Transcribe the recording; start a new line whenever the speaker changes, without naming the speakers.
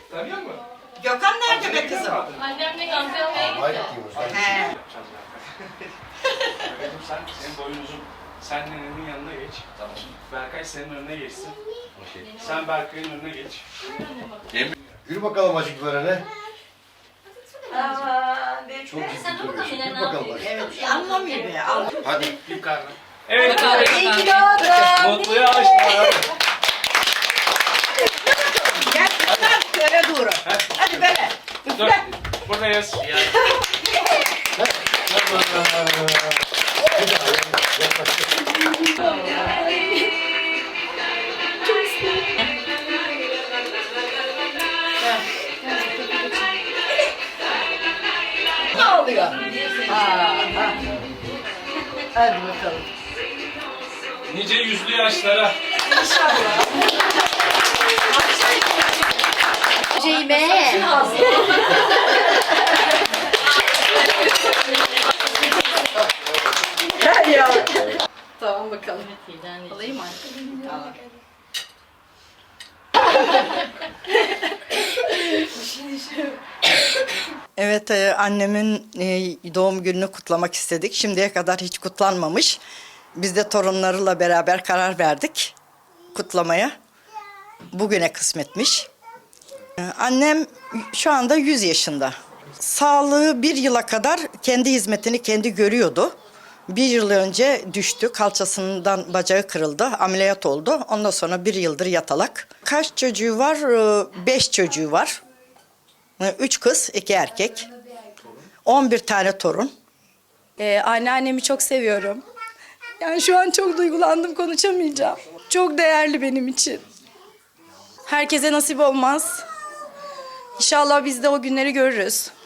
Tanıyor musun?
Gökhan nerede be kızım?
Annemle Gamze almaya gitti.
He.
Senin boyun uzun. Sen nenenin yanına geç. Tamam. Berkay senin önüne geçsin. Sen Berkay'ın önüne geç.
Yürü bakalım acıklara ne?
Aman
Çok ciddi
Sen
duruyorsun.
yine
Yürü
ne
bakalım.
evet, anlamıyor be.
Hadi.
Yukarıdan. Evet.
İyi ki doğdun.
Mutlu yaşlar.
Gel kızlar şöyle durun. Hadi böyle.
Dur. Buradayız.
Ne oluyor? Hadi bakalım.
Nice yüzlü yaşlara.
Ceybe.
Gel ya. Tamam bakalım.
Alayım mı?
Tamam.
Evet, annemin doğum gününü kutlamak istedik. Şimdiye kadar hiç kutlanmamış. Biz de torunlarıyla beraber karar verdik kutlamaya. Bugüne kısmetmiş. Annem şu anda 100 yaşında. Sağlığı bir yıla kadar kendi hizmetini kendi görüyordu. Bir yıl önce düştü, kalçasından bacağı kırıldı, ameliyat oldu. Ondan sonra bir yıldır yatalak. Kaç çocuğu var? 5 çocuğu var. 3 kız, 2 erkek. 11 tane torun.
Anneannemi çok seviyorum. Yani şu an çok duygulandım, konuşamayacağım. Çok değerli benim için. Herkese nasip olmaz. İnşallah biz de o günleri görürüz.